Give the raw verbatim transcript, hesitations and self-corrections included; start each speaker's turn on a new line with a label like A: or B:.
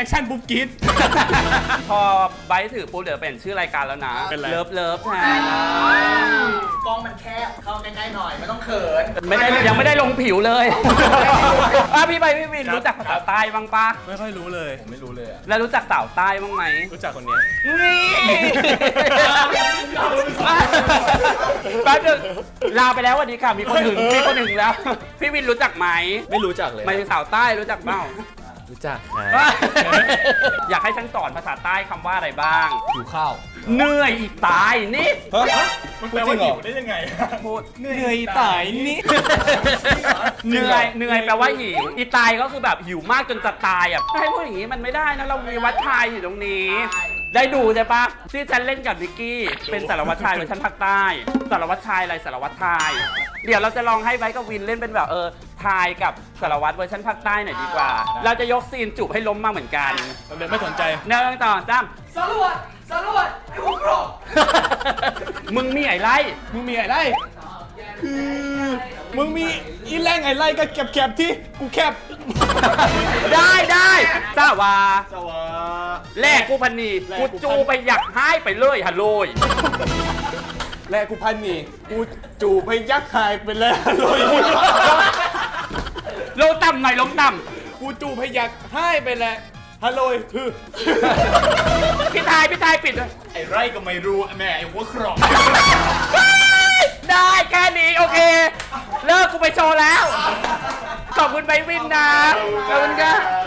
A: อคชั่นปุ๊บกรี๊ด
B: พอไบร์ทถือปุ๊บเดี๋ยวเปลี่ยนชื่อรายการแล้วนะ
A: เป็นไร
B: เลิฟเลิฟแทน
C: กล้องมันแคบเข้าใกล้ๆหน่อยไม่ต้องเขิน
B: ไม่ได้ยังไม่ได้ลงผิวเลยอ่ะพี่ใบพี่วินรู้จักภาษาใต้บ้างปะ
A: ไม่ค่อยรู้เลยผมไม่รู้เลยอะ
B: แล้วรู้จักสาวใต้บ้างไหม
A: รู้จักคนเนี้ย
B: นี่แป๊บนึงลาไปแล้ววันนี้ค่ะมีคนหนึ่งมีคนหนึ่งแล้ว พี่วินรู้จักไหม
A: ไม่รู้จักเลย
B: หมายถึงสาวใต้รู้จักเปล่า
A: รู้จักค
B: อยากให้ฉันสอนภาษาใต้คำว่าอะไรบ้าง
A: หิวข้าว
B: เหนื่อยอีกตายนี่
A: ฮะมันแปลว่าหิวได้ยังไง
B: พูด
A: เหนื่อยตายนี่
B: เหนื่อยเหนื่อยแปลว่าหิวอีตายก็คือแบบหิวมากจนจะตายอ่ะให้พูดอย่างนี้มันไม่ได้นะเรามีวัดชายอยู่ตรงนี้ ได้ดูใช่ปะที่ฉันเล่นกับวิกกี้เป็นสารวัตรชายเวอร์ชันภาคใต้สารวัตรชายอะไรสารวัตรชายเดี๋ยวเราจะลองให้ไบร์ทกับวินเล่นเป็นแบบเออทายกับสารวัตรเวอร์ชันภาคใต้หน่อยดีกว่า เราจะยกซีนจูบให้ล้มมาเหมือนกัน
A: ผมเลยไม่สนใจ
B: หนึ่งสองสาม
C: สรวจสรวจไอ้หัวกรอก
B: มึงมีไอ้ไล่
A: มึงมีอะไรคือมึงมีอีแรงไอ้ไล่ก็แคบๆที่กูแคบ
B: ได้ได้สาวา
A: สวา
B: แลกกูพันนีกูจูไปอยากให้ไปเลยฮัลโหลย
A: แลกูพันนี่กูจูบไปยักษ์หายไปแล้วเลย
B: ลงต่ำหน่อยลงต่
A: กูจูบไปยักษ์หายไปแล้วฮัลโหลคือ
B: ำพี่ทายพี่ทายปิดเลย
A: ไอ้ไร่ก็ไม่รู้แม่ไอ้หัวครอง
B: ได้แค่นี้โอเค เลิกกูไปโชว์แล้ว ขอบคุณไบวินนะ ขอบคุณครับ